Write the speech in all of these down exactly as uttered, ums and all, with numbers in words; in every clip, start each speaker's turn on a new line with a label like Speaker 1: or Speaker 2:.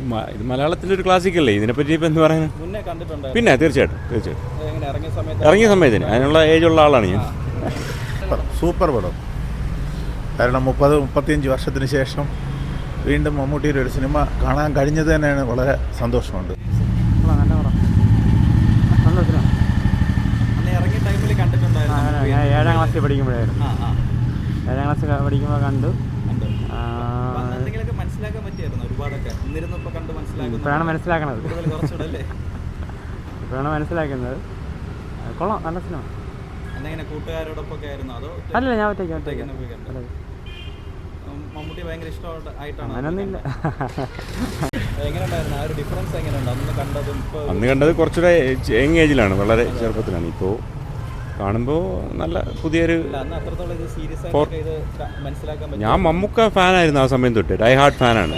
Speaker 1: ഇത് മലയാളത്തിൻ്റെ ഒരു ക്ലാസിക്കല്ലേ, ഇതിനെപ്പറ്റി ഇപ്പം എന്ത് പറയാൻ.
Speaker 2: മുന്നേ കണ്ടിട്ടുണ്ടോ?
Speaker 1: പിന്നെ തീർച്ചയായിട്ടും തീർച്ചയായിട്ടും
Speaker 2: എങ്ങനെ ഇറങ്ങിയ സമയത്ത്
Speaker 1: ഇറങ്ങിയ സമയത്തിന് അതിനുള്ള ഏജുള്ള ആളാണ് ഞാൻ.
Speaker 3: സൂപ്പർ പടം. കാരണം മുപ്പത് മുപ്പത്തിയഞ്ച് വർഷത്തിന് ശേഷം വീണ്ടും മമ്മൂട്ടിയുടെ ഒരു സിനിമ കാണാൻ കഴിഞ്ഞത് തന്നെയാണ് വളരെ സന്തോഷമുണ്ട്.
Speaker 2: അന്ന് ഇറങ്ങിയ ടൈമിൽ കണ്ടിട്ടുണ്ടായിരുന്നു.
Speaker 4: ഞാൻ ഏഴാം ക്ലാസ്സിൽ പഠിക്കുമ്പോഴായിരുന്നു. ഏഴാം ക്ലാസ്സിൽ പഠിക്കുമ്പോൾ കണ്ടു.
Speaker 2: എന്തെങ്കിലുമൊക്കെ മനസ്സിലാക്കാൻ പറ്റിയായിരുന്നു ഒരുപാടൊക്കെ. ഇന്നിരുന്നപ്പോൾ കണ്ട് മനസ്സിലാക്കുന്നു.
Speaker 4: ഇപ്പോഴാണ് മനസ്സിലാക്കണത്.
Speaker 2: കുറച്ചുകൂടെ
Speaker 4: ഇപ്പോഴാണ് മനസ്സിലാക്കുന്നത്. കൊള്ളാം, നല്ല സിനിമ.
Speaker 2: അന്നെങ്ങനെ കൂട്ടുകാരോടൊപ്പം ആയിരുന്നു അതോ?
Speaker 4: അല്ല, ഞാൻ ഒറ്റയ്ക്ക് ഒറ്റയ്ക്ക്
Speaker 2: മമ്മൂട്ടി ഭയങ്കര ഇഷ്ടമായിട്ടാണ്.
Speaker 4: അങ്ങനൊന്നുമില്ല.
Speaker 2: എങ്ങനെയുണ്ടായിരുന്നു ആ ഒരു ഡിഫറൻസ്? എങ്ങനെയുണ്ട് അന്ന് കണ്ടതും?
Speaker 1: അന്ന് കണ്ടത് കുറച്ചുകൂടെ യങ് ഏജിലാണ്, വളരെ ചെറുപ്പത്തിലാണ്. ഇപ്പോൾ കാണുമ്പോൾ നല്ല പുതിയൊരു. ഞാൻ മമ്മൂക്ക ഫാനായിരുന്നു ആ സമയം തൊട്ട്, ഡൈ ഹാർഡ് ഫാനാണ്.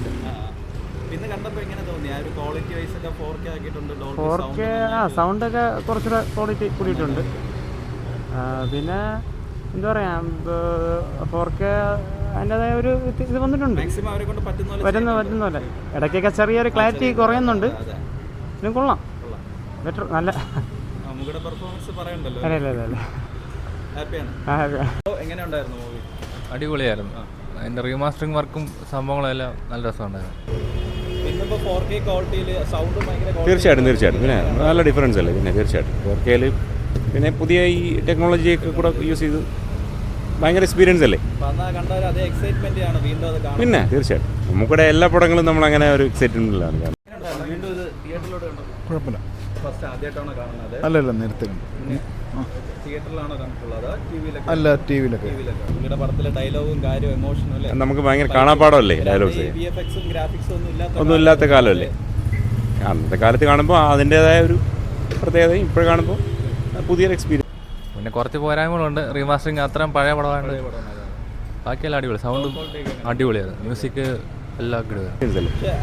Speaker 4: ഫോർ കെ ആ സൗണ്ടൊക്കെ കുറച്ചുകൂടെ ക്വാളിറ്റി കൂടിയിട്ടുണ്ട്. പിന്നെ എന്താ പറയുക, ഫോർ കെ അതിൻ്റെതായ ഒരു ഇത് വന്നിട്ടുണ്ട്. പറ്റുന്ന പറ്റുന്ന പോലെ ഇടയ്ക്കൊക്കെ ചെറിയൊരു ക്ലാരിറ്റി കുറയുന്നുണ്ട്. പിന്നെ കൊള്ളാം, ബെറ്റർ, നല്ല.
Speaker 5: അടിപൊളിയായിരുന്നു. അതിൻ്റെ റീമാസ്റ്ററിങ് വർക്കും സംഭവങ്ങളും എല്ലാം നല്ല രസമുണ്ടായിരുന്നു.
Speaker 1: തീർച്ചയായിട്ടും തീർച്ചയായിട്ടും പിന്നെ നല്ല ഡിഫറൻസ് അല്ലേ. പിന്നെ തീർച്ചയായിട്ടും ഫോർ കെയിൽ പിന്നെ പുതിയ ഈ ടെക്നോളജിയൊക്കെ കൂടെ യൂസ് ചെയ്ത് ഭയങ്കര എക്സ്പീരിയൻസ് അല്ലേ. പിന്നെ തീർച്ചയായിട്ടും നമുക്കിടെ എല്ലാ പടങ്ങളും നമ്മളങ്ങനെ ഒരു എക്സൈറ്റ്മെൻറ്റിലാണ് കാണുന്നത്.
Speaker 3: കുഴപ്പമില്ല. അല്ലല്ല, നേരത്തെ അല്ല ടി വിയിലൊക്കെ.
Speaker 1: നമുക്ക് ഭയങ്കര കാണാപ്പാടമല്ലേ ഡയലോഗ്സ്, ഒന്നും ഇല്ലാത്ത കാലമല്ലേ. അന്നത്തെ കാലത്ത് കാണുമ്പോൾ അതിൻ്റേതായ ഒരു പ്രത്യേകത, ഇപ്പോഴും കാണുമ്പോൾ പുതിയൊരു എക്സ്പീരിയൻസ്.
Speaker 5: പിന്നെ കുറച്ച് പോരായ്മകളുണ്ട്. റീമാസ്റ്ററിങ് അത്രയും പഴയ പടമാണ്. ബാക്കിയെല്ലാം അടിപൊളി, സൗണ്ടും അടിപൊളിയായിരുന്നു, മ്യൂസിക് എല്ലാം
Speaker 1: ഇല്ല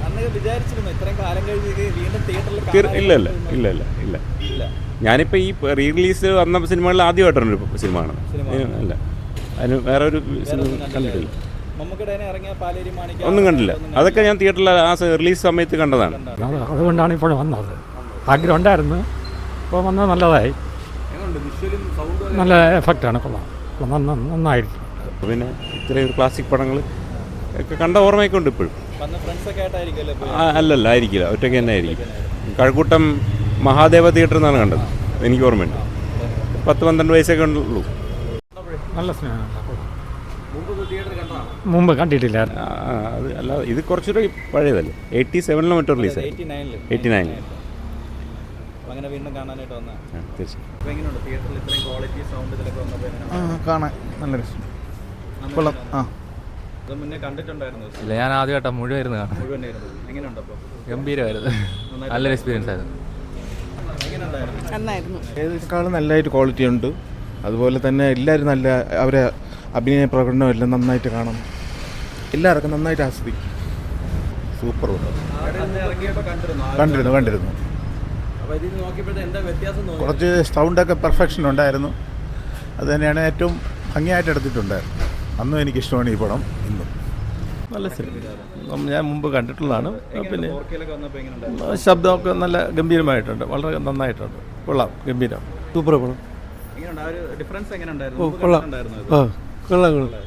Speaker 1: ഇല്ല ഇല്ല ഇല്ല ഇല്ല ഞാനിപ്പോൾ ഈ റീ റിലീസ് വന്ന സിനിമകളിൽ ആദ്യമായിട്ടാണ് ഒരു സിനിമ കാണുന്നത്. അല്ല, അതിന് വേറെ ഒരു സിനിമ കണ്ടിട്ടില്ല, ഒന്നും കണ്ടില്ല. അതൊക്കെ ഞാൻ തിയേറ്ററിൽ ആ റിലീസ് സമയത്ത് കണ്ടതാണ്.
Speaker 4: അതുകൊണ്ടാണ് ഇപ്പോൾ വന്നത്. ആഗ്രഹം ഉണ്ടായിരുന്നു, ഇപ്പോൾ വന്നത് നല്ലതായി. നല്ല എഫക്റ്റാണ്, കൊള്ളാം, നന്നായിരിക്കും.
Speaker 1: പിന്നെ ഇത്രയും ഒരു ക്ലാസിക് പടങ്ങൾ ഒക്കെ കണ്ട ഓർമ്മയൊക്കെ ഉണ്ട് ഇപ്പോഴും. അല്ലല്ല, ആയിരിക്കില്ല, ഒറ്റയ്ക്ക് തന്നെ ആയിരിക്കും. കഴക്കൂട്ടം മഹാദേവ തിയേറ്ററിൽ നിന്നാണ് കണ്ടത്, എനിക്ക് ഓർമ്മയുണ്ട്. പത്ത് പന്ത്രണ്ട് വയസ്സൊക്കെ ഉള്ളൂ.
Speaker 4: നല്ല സിനിമ, മുമ്പ് കണ്ടിട്ടില്ല.
Speaker 1: അത് അല്ല, ഇത് കുറച്ചുകൂടെ പഴയതല്ലേ, എയ്റ്റി സെവനിലോ മറ്റോ റിലീസ്, എയ്റ്റി നയനിൽ.
Speaker 3: കാണാൻ നല്ല രസം. കൊള്ളാം. ആ
Speaker 5: ഇല്ല, ഞാൻ ആദ്യമായിട്ടാണ് മുഴുവായിരുന്നു കാണാൻ. ഗംഭീരമായിരുന്നു, നല്ലൊരു എക്സ്പീരിയൻസ് ആയിരുന്നു.
Speaker 3: ഏതിനേക്കാളും നല്ലതായിട്ട് ക്വാളിറ്റി ഉണ്ട്. അതുപോലെ തന്നെ എല്ലാവരും നല്ല അവരെ അഭിനയ പ്രകടനം എല്ലാം നന്നായിട്ട് കാണും. എല്ലാവർക്കും നന്നായിട്ട് ആസ്വദിക്കും. സൂപ്പർ കണ്ടിരുന്നു കണ്ടിരുന്നു കുറച്ച് സൗണ്ടൊക്കെ പെർഫെക്ഷൻ ഉണ്ടായിരുന്നു. അത് തന്നെയാണ് ഏറ്റവും ഭംഗിയായിട്ട് എടുത്തിട്ടുണ്ടായിരുന്നു. അന്നും എനിക്കിഷ്ടമാണ് ഈ പടം, ഇന്നും.
Speaker 6: നല്ല സിനിമ, ഞാൻ മുമ്പ് കണ്ടിട്ടുള്ളതാണ്. പിന്നെ ശബ്ദമൊക്കെ നല്ല ഗംഭീരമായിട്ടുണ്ട്, വളരെ നന്നായിട്ടുണ്ട്, കൊള്ളാം, ഗംഭീരം, സൂപ്പർ പടം.
Speaker 2: കൊള്ളാം,
Speaker 6: കൊള്ളാം കൊള്ളാം.